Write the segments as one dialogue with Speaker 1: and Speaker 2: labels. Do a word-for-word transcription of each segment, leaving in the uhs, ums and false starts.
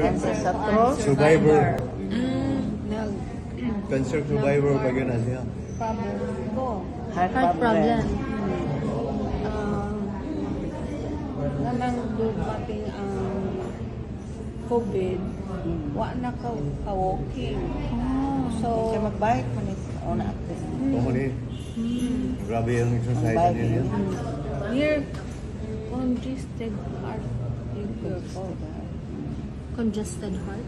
Speaker 1: cancer sa throat.
Speaker 2: Survivor.
Speaker 3: Mm.
Speaker 4: Nag
Speaker 2: Cancer survivor ba yun na siya?
Speaker 4: problem ko.
Speaker 1: Heart,
Speaker 3: Heart problem.
Speaker 4: Ah, namang dumating ang COVID, wa na ka ka-walking. So,
Speaker 1: Siya mag-bike, manit. O na active.
Speaker 2: Oo ni. Grabe yung exercise
Speaker 1: Ang
Speaker 2: niya yan.
Speaker 4: near congested heart failure ko.
Speaker 3: Congested heart.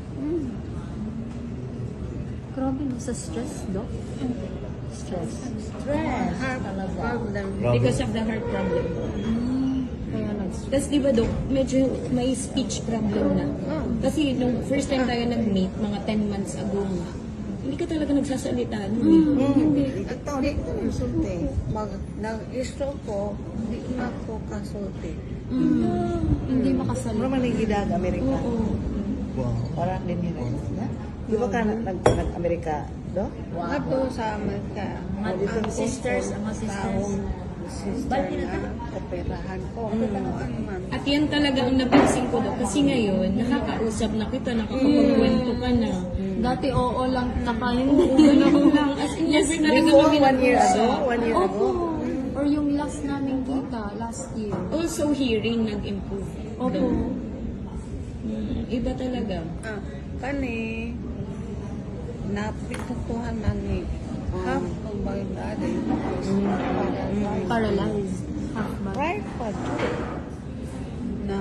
Speaker 3: Grabe no, sa stress, Doc. Stress.
Speaker 1: Stress.
Speaker 4: Heart problem.
Speaker 2: Grabe.
Speaker 3: Because of the heart problem. Kaya nag-stress. Tapos di ba, Doc, medyo may speech problem na. Kasi nung first time tayo nag-meet, mga ten months ago nga, hindi ka talaga nagsasalita. No?
Speaker 4: Hindi.
Speaker 1: Ito, di ko nagsulti.
Speaker 4: Mag, nag-stroke ko, hindi na ako kasulti.
Speaker 3: Mm. Hindi
Speaker 1: Pero
Speaker 3: makasalita.
Speaker 1: manigidag, Amerika.
Speaker 3: Oo.
Speaker 2: Wow.
Speaker 1: Parang din yun. Di ba ka nag- nag-Amerika, do?
Speaker 4: Ato sa Amerika.
Speaker 1: Mga
Speaker 4: ang
Speaker 3: sisters, ang mga sisters.
Speaker 4: taong sister na operahan ko. Pero ano man.
Speaker 3: At yan talaga ang napansin ko daw. Kasi ngayon, nakakausap na kita, nakakapagkwento ka na. Dati oo lang, nakain mo. Oo lang. As in, yes, talaga
Speaker 1: Before,
Speaker 3: kami
Speaker 1: one year
Speaker 3: nag-usap.
Speaker 1: ago, one year
Speaker 3: Opo.
Speaker 1: ago.
Speaker 3: Or yung last namin kita, last year. Also hearing nag-improve. Opo. Mm, iba talaga.
Speaker 4: Ah, kani, napitutuhan na ni half of my body is paralyzed.
Speaker 3: Paralyzed. Half ba?
Speaker 1: Right pa.
Speaker 4: Na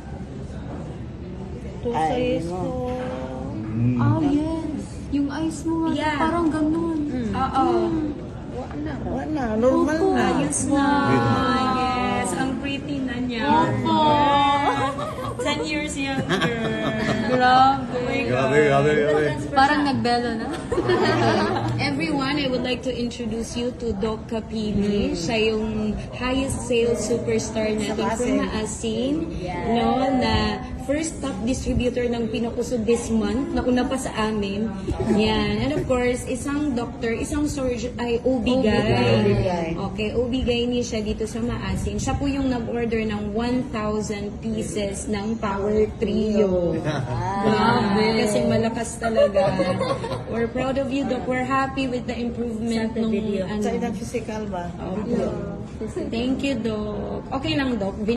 Speaker 4: two
Speaker 1: Ay,
Speaker 4: size
Speaker 1: no.
Speaker 4: ko.
Speaker 2: Mm.
Speaker 3: Oh, yes. Yung eyes mo nga,
Speaker 4: Yeah.
Speaker 3: parang ganun. Oo.
Speaker 4: Wala na.
Speaker 1: Wala, normal
Speaker 3: Opo.
Speaker 1: na.
Speaker 3: Ayos na. Yes. Ang pretty na niya. Opo. ten years younger. Grabe. Oh my
Speaker 2: Grabe, grabe, grabe.
Speaker 3: Parang nagbelo na. Everyone, I would like to introduce you to Doc Capili. Siya yung highest sales superstar natin from Maasin. No, na first top distributor ng Pinakusog this month, na una pa sa amin. Yan. And of course, isang doctor, isang surgeon, ay O B G Y N.
Speaker 1: O B G Y N.
Speaker 3: Okay, O B G Y N siya dito sa Maasin. Siya po yung nag-order ng one thousand pieces ng Power Trio. Grabe. Kasi malakas talaga. We're proud of you, Doc. We're happy with the improvement nung
Speaker 1: Sa
Speaker 3: ano.
Speaker 1: inang physical ba?
Speaker 3: Opo. Thank you, Doc. Okay lang, Doc.